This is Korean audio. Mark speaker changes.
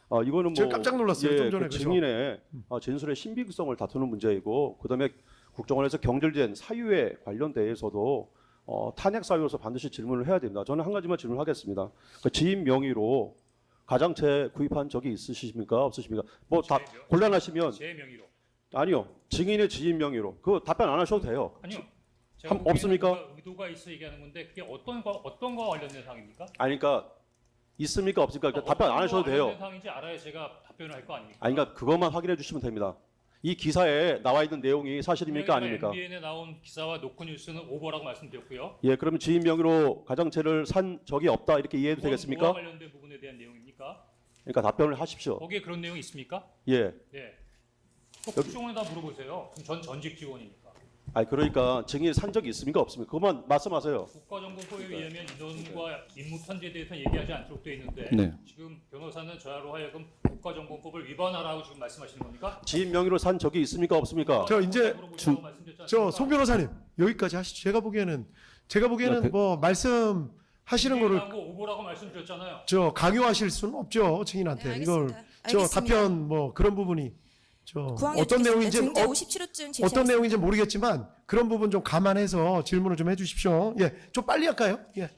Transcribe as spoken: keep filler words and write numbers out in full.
Speaker 1: 어, 이거는 뭐
Speaker 2: 제가 깜짝 놀랐어요.
Speaker 1: 예,
Speaker 2: 좀 전에
Speaker 1: 그
Speaker 2: 그죠?
Speaker 1: 증인의 어, 진술의 신빙성을 다투는 문제이고, 그다음에 국정원에서 경질된 사유에 관련돼서도 어, 탄핵 사유로서 반드시 질문을 해야 됩니다. 저는 한 가지만 질문하겠습니다. 그 지인 명의로 가장채 구입한 적이 있으십니까? 없으십니까? 뭐 다
Speaker 3: 제 명-
Speaker 1: 곤란하시면
Speaker 3: 제 명의로.
Speaker 1: 아니요. 증인의 지인 명의로. 그거 답변 안 하셔도 돼요.
Speaker 3: 아니요.
Speaker 1: 한- 없습니까?
Speaker 3: 의도가, 의도가 있어 얘기하는 건데 그게 어떤 거 어떤 거와 관련된 사항입니까?
Speaker 1: 아니 그러니까 있습니까? 없습니까? 그러니까 답변 안
Speaker 3: 어떤
Speaker 1: 하셔도
Speaker 3: 거와
Speaker 1: 돼요.
Speaker 3: 관련된 사항인지 알아야 제가 답변을 할 거 아닙니까?
Speaker 1: 아니 그러니까 그것만 확인해 주시면 됩니다. 이 기사에 나와 있는 내용이 사실입니까? 아닙니까?
Speaker 3: 엠비엔에 나온 기사와 노컷뉴스는 오버라고 말씀드렸고요.
Speaker 1: 예, 그러면 지인 명의로 가정채를 산 적이 없다 이렇게 이해해도
Speaker 3: 그건
Speaker 1: 되겠습니까?
Speaker 3: 뭐와 관련된 부분에 대한 내용입니까?
Speaker 1: 그러니까 답변을 하십시오.
Speaker 3: 거기에 그런 내용이 있습니까?
Speaker 1: 예.
Speaker 3: 네. 국정원에다 물어보세요. 그럼 전 전직 직원이니까.
Speaker 1: 아니 그러니까 증인이 산 적이 있습니까? 없습니까? 그것만 말씀하세요.
Speaker 3: 국가정보법에 의하면 인원과 임무 편제에 대해서는 얘기하지 않도록 되어 있는데
Speaker 4: 네.
Speaker 3: 지금 변호사는 저야로 하여금 국가정보법을 위반하라고 지금 말씀하시는 겁니까?
Speaker 1: 지인 명의로 산 적이 있습니까? 없습니까?
Speaker 2: 저 이제
Speaker 3: 물어보시라고 말씀드렸지
Speaker 2: 저
Speaker 3: 않습니까?
Speaker 2: 송 변호사님 여기까지 하시죠. 제가 보기에는 제가 보기에는
Speaker 4: 네,
Speaker 2: 뭐 말씀하시는 거를
Speaker 3: 거 오보라고 말씀드렸잖아요.
Speaker 2: 저 강요하실 수는 없죠 증인한테.
Speaker 5: 네,
Speaker 2: 이걸
Speaker 5: 알겠습니다.
Speaker 2: 저
Speaker 5: 알겠습니다.
Speaker 2: 답변 뭐 그런 부분이 저
Speaker 5: 구항
Speaker 2: 어떤
Speaker 5: 여쭙겠습니다.
Speaker 2: 내용인지
Speaker 5: 증제
Speaker 2: 어,
Speaker 5: 오십칠 호쯤
Speaker 2: 어떤 내용인지 모르겠지만 그런 부분 좀 감안해서 질문을 좀 해주십시오. 예, 좀 빨리 할까요? 예.